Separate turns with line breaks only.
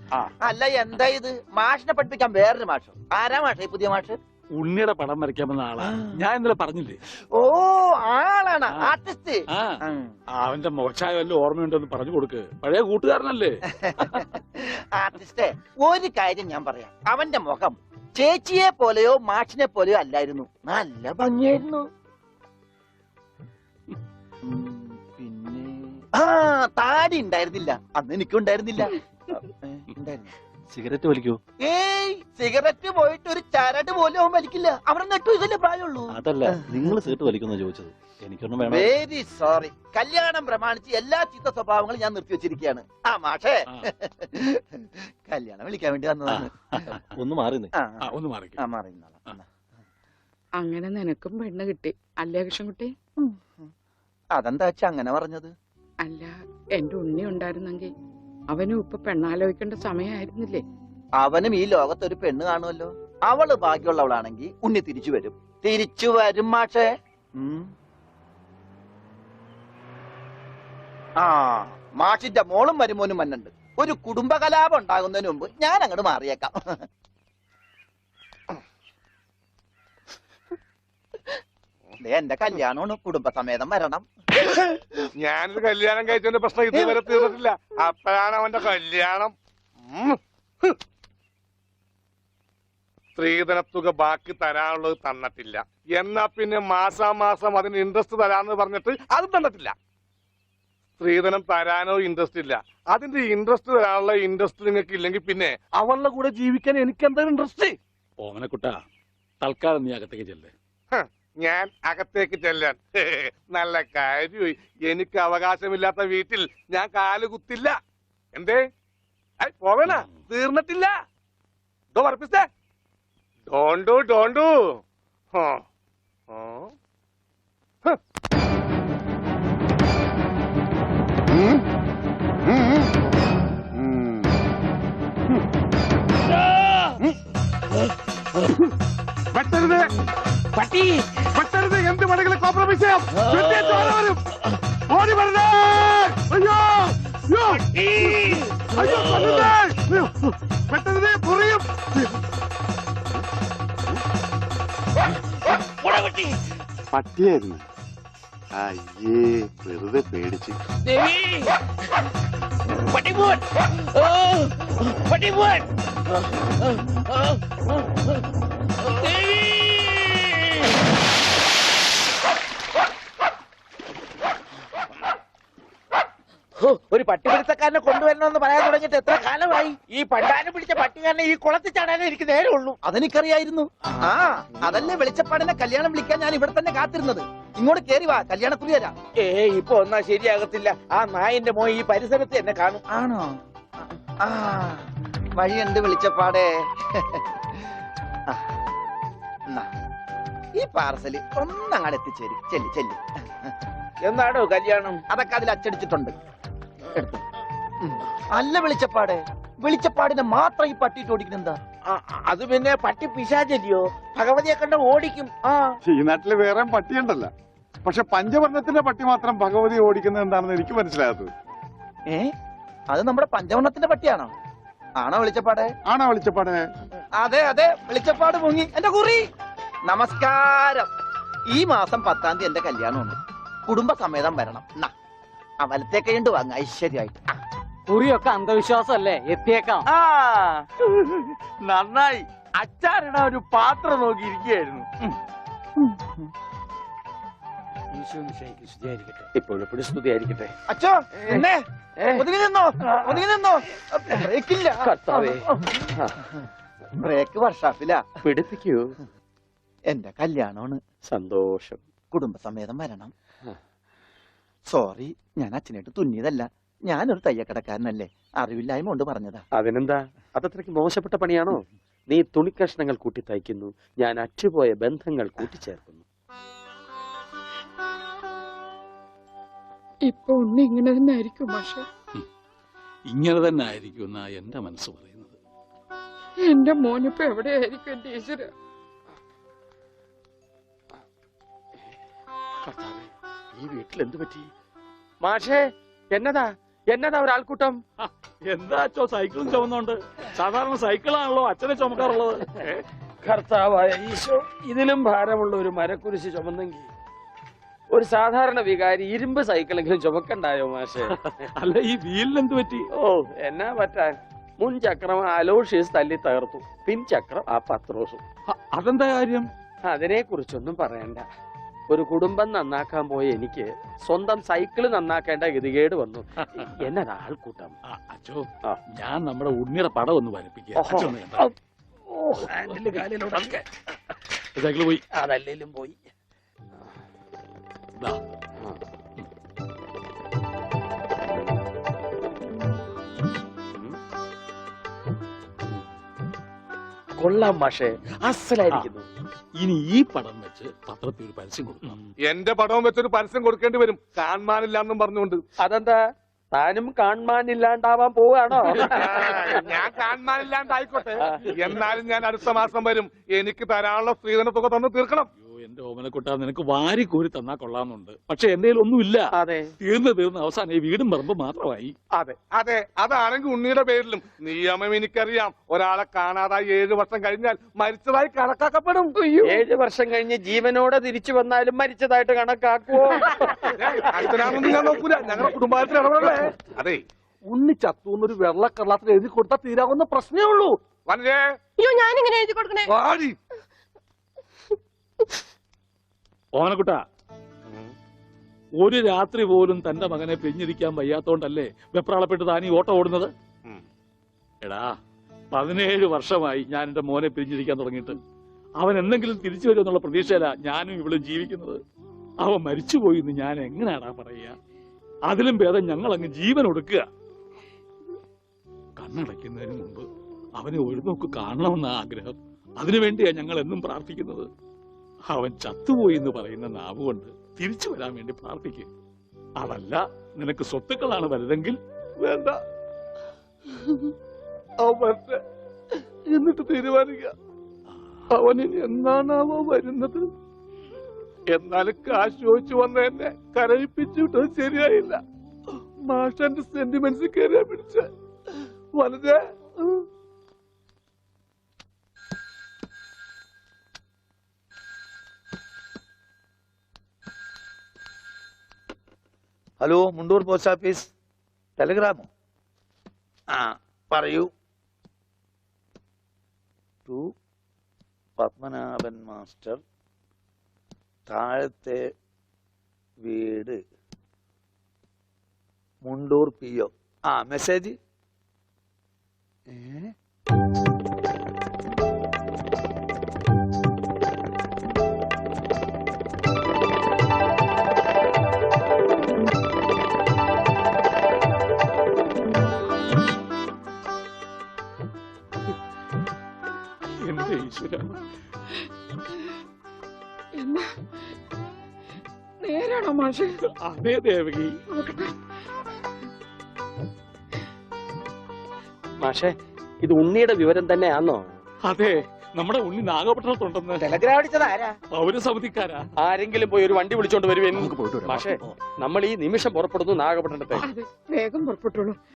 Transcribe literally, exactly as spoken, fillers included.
അല്ല എന്താ ഇത്? മാഷിനെ പഠിപ്പിക്കാൻ വേറൊരു മാഷോ? ആരാ മാഷ പുതിയ മാഷ്?
ഉണ്ണിയുടെ പടം വരയ്ക്കാമെന്ന ആളാ. ഞാൻ ഇന്നലെ പറഞ്ഞില്ലേ?
ഓ ആളാണ് ആർട്ടിസ്റ്റ്.
അവന്റെ മോശമായ വല്ല ഓർമ്മയുണ്ടോന്ന് പറഞ്ഞു കൊടുക്ക്. പഴയ കൂട്ടുകാരനല്ലേ?
ആർട്ടിസ്റ്റേ, ഒരു കാര്യം ഞാൻ പറയാം. അവന്റെ മുഖം ചേച്ചിയെ പോലെയോ മാഷിനെ പോലെയോ അല്ലായിരുന്നു. നല്ല ഭംഗിയായിരുന്നു. പിന്നെ ആ താടി ഉണ്ടായിരുന്നില്ല. അന്ന് എനിക്കും ഉണ്ടായിരുന്നില്ല. ഉണ്ടായിരുന്നു.
സിഗരറ്റ് വലിക്കൂ?
ഏയ് സിഗരറ്റ് പോയിട്ട് ഒരു ചരട് പോലും അവൻ വലിക്കില്ല. അവിടെ നെട്ടു ഇതല്ലേ പ്രായമുള്ളൂ.
അതല്ല, നിങ്ങൾ സിഗരറ്റ് വലിക്കുന്ന ചോദിച്ചത്. എനിക്കൊന്നും വേണം.
Very sorry. കല്യാണം പ്രമാണിച്ച് എല്ലാ ചീത്ത സ്വഭാവങ്ങളും ഞാൻ നിർത്തിവെച്ചിരിക്കുകയാണ്. ആ മാഷേ, കല്യാണം വിളിക്കാൻ വേണ്ടി വന്നതാണ്.
ഒന്ന് മാറി
ഒന്ന് മാറി
മാറി.
അങ്ങനെ നിനക്കും പെണ്ണ് കിട്ടി അല്ലേ കൃഷ്ണൻകുട്ടി?
അതെന്താ വെച്ചാ അങ്ങനെ പറഞ്ഞത്?
അല്ല, എന്റെ ഉണ്ണി ഉണ്ടായിരുന്നെങ്കിൽ അവനും ഇപ്പൊ പെണ്ണാലോചിക്കേണ്ട സമയമായിരുന്നില്ലേ?
അവനും ഈ ലോകത്തൊരു പെണ്ണ് കാണുമല്ലോ. അവള് ബാക്കിയുള്ളവളാണെങ്കിൽ ഉണ്ണി തിരിച്ചു വരും. തിരിച്ചു വരും മാഷേ. ആ മാഷിന്റെ മോളും മരുമോനും മന്നുണ്ട്. ഒരു കുടുംബകലാപം ഉണ്ടാകുന്നതിന് മുമ്പ് ഞാൻ അങ്ങോട്ട് മാറിയേക്കാം. എന്റെ കല്യാണമാണ്, കുടുംബസമേതം വരണം.
ഞാനൊരു കല്യാണം കഴിച്ചതിന്റെ പ്രശ്നം ഇതുവരെ തീർന്നിട്ടില്ല. അപ്പോഴാണ് അവന്റെ കല്യാണം. സ്ത്രീധനത്തുക ബാക്കി തരാനുള്ളത് തന്നിട്ടില്ല. എന്നാ പിന്നെ മാസാമാസം അതിന് ഇൻട്രസ്റ്റ് തരാന്ന് പറഞ്ഞിട്ട് അതും തന്നിട്ടില്ല. സ്ത്രീധനം തരാനോ ഇൻട്രസ്റ്റ് ഇല്ല. അതിന്റെ ഇൻട്രസ്റ്റ് തരാനുള്ള ഇൻട്രസ്റ്റ് നിങ്ങൾക്ക് ഇല്ലെങ്കിൽ പിന്നെ അവളുടെ കൂടെ ജീവിക്കാൻ എനിക്ക് എന്താ ഇൻട്രസ്റ്റ്?
ഓമനക്കുട്ട, തൽക്കാലം നീ അകത്തേക്ക് ചെല്ലേ.
ഞാൻ അകത്തേക്ക് ചെല്ലാൻ നല്ല കാര്യമായി. എനിക്ക് അവകാശമില്ലാത്ത വീട്ടിൽ ഞാൻ കാല് കുത്തില്ല. എന്തേ പോവേണ? തീർന്നിട്ടില്ല. ഡോ വർപ്പിച്ചേ. ഡോണ്ടു ഡോണ്ടു. വെട്ടരുത് പട്ടി, വെട്ടരുത്. എന്ത് വേണമെങ്കിലും കോംപ്രമൈസ് ചെയ്യാം. വരും. ഓടി വരുന്നേ. അയ്യോ അയ്യോ അയ്യോ, വെട്ടരുത്. പൊറിയും.
പട്ടിയായിരുന്നു. അയ്യേ, വെറുതെ പേടിച്ച്.
ഒരു പട്ടിപിടുത്തക്കാരനെ കൊണ്ടുവരണമെന്ന് പറയാൻ തുടങ്ങിയിട്ട് എത്ര കാലമായി? ഈ പണ്ടാരം പിടിച്ച പട്ടിക്കാരനെ ഈ കുളത്തിൽ ചാടാനേ എനിക്ക് നേരമുള്ളൂ. അതെനിക്കറിയായിരുന്നു. ആ അതല്ലേ വെളിച്ചപ്പാടിനെ കല്യാണം വിളിക്കാൻ ഞാൻ ഇവിടെ തന്നെ കാത്തിരുന്നത്. ഇങ്ങോട്ട് കേറി വാ, കല്യാണക്കുറി തരാം. ഏ ഇപ്പൊ ഒന്നാ ശരിയാകത്തില്ല. ആ നായന്റെ മോൻ ഈ പരിസരത്ത് എന്നെ കാണും. ആണോ? ആ വഴിയുണ്ട് വെളിച്ചപ്പാടേ. ഈ പാർസല് ഒന്നങ്ങാട് എത്തിച്ചേരും. ചെല്ലി ചെല്ലി. എന്നാണോ കല്യാണം? അതൊക്കെ അതിൽ അച്ചടിച്ചിട്ടുണ്ട്. എടുത്തു. അല്ല വെളിച്ചപ്പാടെ, വെളിച്ചപ്പാടിനെ മാത്രം ഈ പട്ടിയിട്ട് ഓടിക്കുന്നെന്താ? അത് പിന്നെ പട്ടി പിശാചല്ലിയോ? ഭഗവതിയെ കണ്ട ഓടിക്കും. ആ
ഈ നാട്ടില് വേറെ പട്ടിയുണ്ടല്ലോ. പക്ഷെ പഞ്ചവർണ്ണത്തിന്റെ പട്ടി മാത്രം ഭഗവതി ഓടിക്കുന്നത് എന്താണെന്ന് എനിക്ക് മനസ്സിലാകാത്തത്.
ഏ അത് നമ്മുടെ പഞ്ചവർണ്ണത്തിന്റെ പട്ടിയാണോ? ആണോ വെളിച്ചപ്പാടെ? ആണോ വെളിച്ചപ്പാടെ? അതെ അതെ, വെളിച്ചപ്പാട് മുങ്ങി. എന്റെ കുറി നമസ്കാരം. ഈ മാസം പത്താം തീയതി എന്റെ കല്യാണമുണ്ട്. കുടുംബസമേതം വരണം. ആ വലത്തെ കൈണ്ട് വാങ്ങ ഐശ്വര്യമായിട്ട്.
കുറിയൊക്കെ അന്ധവിശ്വാസമല്ലേ? എത്തിയേക്കാം.
ആ നന്നായി. അച്ചാറിടാൻ ഒരു പാത്രം നോക്കിയിരിക്കുകയായിരുന്നു.
ഇപ്പോഴെപ്പോഴും സ്തുതിയായിരിക്കട്ടെ.
അച്ഛോ എന്നെ ഒതുങ്ങി നിന്നോ, ഒതുങ്ങി നിന്നോ. ബ്രേക്കില്ല. ബ്രേക്ക് വർഷാപ്പില്ല.
പിടിപ്പിക്കൂ.
എന്റെ കല്യാണമാണ്.
സന്തോഷം.
കുടുംബസമേതം വരണം. സോറി, ഞാൻ അച്ഛനായിട്ട് തുന്നിയതല്ല. ഞാനൊരു തയ്യക്കടക്കാരനല്ലേ, അറിവില്ലായ്മ കൊണ്ട് പറഞ്ഞതാ.
അതിനെന്താ? അതത്രയ്ക്ക് മോശപ്പെട്ട പണിയാണോ? നീ തുണിക്കഷ്ണങ്ങൾ കൂട്ടി തയ്ക്കുന്നു, ഞാൻ അറ്റുപോയ ബന്ധങ്ങൾ കൂട്ടിച്ചേർക്കുന്നു.
ഇപ്പൊ ഉണ്ണി ഇങ്ങനെ തന്നെ ആയിരിക്കും പക്ഷെ.
ഇങ്ങനെ തന്നെ ആയിരിക്കും എന്നാ എന്റെ മനസ്സ് പറയുന്നത്.
എന്റെ മോനിപ്പോ എവിടെയായിരിക്കും എന്റെ ഈശ്വര?
ഈ വീട്ടിൽ എന്ത് പറ്റി? മാഷേ എന്നതാ എന്നതാ ഒരാൾക്കൂട്ടം?
എന്താ അച്ഛോ സൈക്കിളും ചുമന്നോണ്ട്? സാധാരണ സൈക്കിളാണല്ലോ അച്ഛനെ ചുമക്കാറുള്ളത്. ഏ?
കർത്താവായ ഈശോ, ഇതിലും ഭാരമുള്ള ഒരു മരക്കുരിശ് ചുമന്നെങ്കിൽ ഒരു സാധാരണ വികാരി ഇരുമ്പ് സൈക്കിളെങ്കിലും ചുമക്കണ്ടായോ മാഷെ?
അല്ല ഈ വീലിനെന്ത് പറ്റി?
ഓ എന്നാ പറ്റാൻ, മുൻ ചക്രം അലോഷ്യസ് തല്ലി തകർത്തു, പിൻ ചക്രം ആ പത്രോസും.
അ- അതെന്താ കാര്യം?
അതിനെ കുറിച്ചൊന്നും പറയണ്ട. ഒരു കുടുംബം നന്നാക്കാൻ പോയ എനിക്ക് സ്വന്തം സൈക്കിള് നന്നാക്കേണ്ട ഗതികേട് വന്നു. എന്നതാ ആൾക്കൂട്ടം?
ആ, അച്ഛോ
ആ.
ഞാൻ നമ്മുടെ ഉണ്ണിയുടെ പടം ഒന്ന് വരപ്പിക്കുക.
ഓഹോ.
അച്ഛൻ ഒന്ന് കണ്ടോ?
ഓ, ഹാൻഡില് കാലിലോട്ടൊക്കെ.
സൈക്കിള് പോയി.
അതല്ലേലും പോയി.
ദാ.
കൊള്ളാം മാഷെ, അസലായിരിക്കുന്നു.
ഇനി ഈ പടം വെച്ച് പത്രത്തിൽ ഒരു പരസ്യം കൊടുക്കണം.
എന്റെ പടവും വെച്ചൊരു പരസ്യം കൊടുക്കേണ്ടി വരും, കാണാനില്ലാന്നും പറഞ്ഞുകൊണ്ട്.
അതെന്താ, താനും കാണാനില്ലാണ്ടാവാൻ പോവാണോ?
ഞാൻ കാണാനില്ലാണ്ടായിക്കോട്ടെ, എന്നാലും ഞാൻ അടുത്ത മാസം വരും. എനിക്ക് തരാനുള്ള സ്ത്രീധന തുക തന്നു തീർക്കണം.
അയ്യോ എന്റെ ഓമനക്കുട്ട, നിനക്ക് വാരി കോരി തന്നാ കൊള്ളാന്നുണ്ട്. പക്ഷെ എന്റെ ഒന്നുമില്ല.
അതെ
തീർന്ന് തീർന്ന് അവസാനം ഈ വീടും പറമ്പ് മാത്രമായി.
അതെ അതെ, അതാണെങ്കിൽ ഉണ്ണിയുടെ പേരിലും നിയമം എനിക്കറിയാം. ഒരാളെ കാണാതായി ഏഴു വർഷം കഴിഞ്ഞാൽ മരിച്ചതായി കണക്കാക്കപ്പെടും.
ഏഴ് വർഷം കഴിഞ്ഞ് ജീവനോടെ തിരിച്ചു വന്നാലും മരിച്ചതായിട്ട് കണക്കാക്കുവോ?
അച്ഛനാണെന്ന് ഞാൻ നോക്കൂല, ഞങ്ങളുടെ കുടുംബത്തിൽ ഇടപെടലേ. അതെ, ഉണ്ണി ചത്തൂന്നൊരു വെള്ളക്കള്ളത്തിൽ എഴുതി കൊടുത്താൽ തീരാവുന്ന പ്രശ്നമേ ഉള്ളൂ. വനജേ,
അയ്യോ ഞാനിങ്ങനെ എഴുതി കൊടുക്കണേ.
വാടി.
ഓമനക്കുട്ട, ഒരു രാത്രി പോലും തന്റെ മകനെ പിരിഞ്ഞിരിക്കാൻ വയ്യാത്തോണ്ടല്ലേ വെപ്രാളപ്പെട്ട് താൻ ഈ ഓട്ടം ഓടുന്നത്?
ഉം.
എടാ, പതിനേഴ് വർഷമായി ഞാൻ എന്റെ മോനെ പിരിഞ്ഞിരിക്കാൻ തുടങ്ങിയിട്ട്. അവൻ എന്തെങ്കിലും തിരിച്ചു വരുമെന്നുള്ള പ്രതീക്ഷയിലാ ഞാനും ഇവളും ജീവിക്കുന്നത്. അവൻ മരിച്ചുപോയി എന്ന് ഞാൻ എങ്ങനെയാടാ പറയുക? അതിലും ഭേദം ഞങ്ങൾ അങ്ങ് ജീവൻ ഒടുക്കുക. കണ്ണടയ്ക്കുന്നതിന് മുമ്പ് അവനെ ഒരു നോക്ക് കാണണമെന്ന ആഗ്രഹം. അതിനുവേണ്ടിയാ ഞങ്ങൾ എന്നും പ്രാർത്ഥിക്കുന്നത്. അവൻ ചത്തുപോയി എന്ന് പറയുന്ന നാവ് കൊണ്ട് തിരിച്ചു വരാൻ വേണ്ടി പ്രാർത്ഥിക്കും. അതല്ല നിനക്ക് സ്വത്തുക്കളാണ് വലുതെങ്കിൽ
വേണ്ട, അവൻ വരട്ടെ, എന്നിട്ട് തീരുമാനിക്കുക. അവനിനി എന്നാണാവോ വരുന്നത്. എന്നാലും കാശ് ചോദിച്ചു വന്ന എന്നെ കരയിപ്പിച്ചു വിട്ടത് ശരിയായില്ല. മാഷന്റെ സെന്റിമെന്റ്സ് കയറിയാ പിടിച്ച വളരെ.
ഹലോ, മുണ്ടൂർ പോസ്റ്റ് ഓഫീസ്, ടെലിഗ്രാമോ? ആ പറയൂ. ടു പത്മനാഭൻ മാസ്റ്റർ, താഴത്തെ വീട്, മുണ്ടൂർ പി ഒ. ആ മെസ്സേജ്. ഏ
എന്റെ ഈശ്വര,
എന്നാ നേരാണോ മാഷെ?
അതേ ദേവകി.
നോക്കട്ടെ.
മാഷെ, ഇത് ഉണ്ണിയുടെ വിവരം തന്നെയാണോ?
അതെ, നമ്മുടെ ഉണ്ണി നാഗപട്ടണത്തുണ്ടെന്ന്
ടെലഗ്രാം അടിച്ചത് ആരാ?
പൗരസമിതിക്കാരാ.
ആരെങ്കിലും പോയി ഒരു വണ്ടി വിളിച്ചോണ്ട് വരുവേൻ. മാഷെ, നമ്മൾ ഈ നിമിഷം പുറപ്പെടുന്നു നാഗപട്ടണത്തെ.
അതെ, വേഗം പുറപ്പെട്ടുള്ളൂ.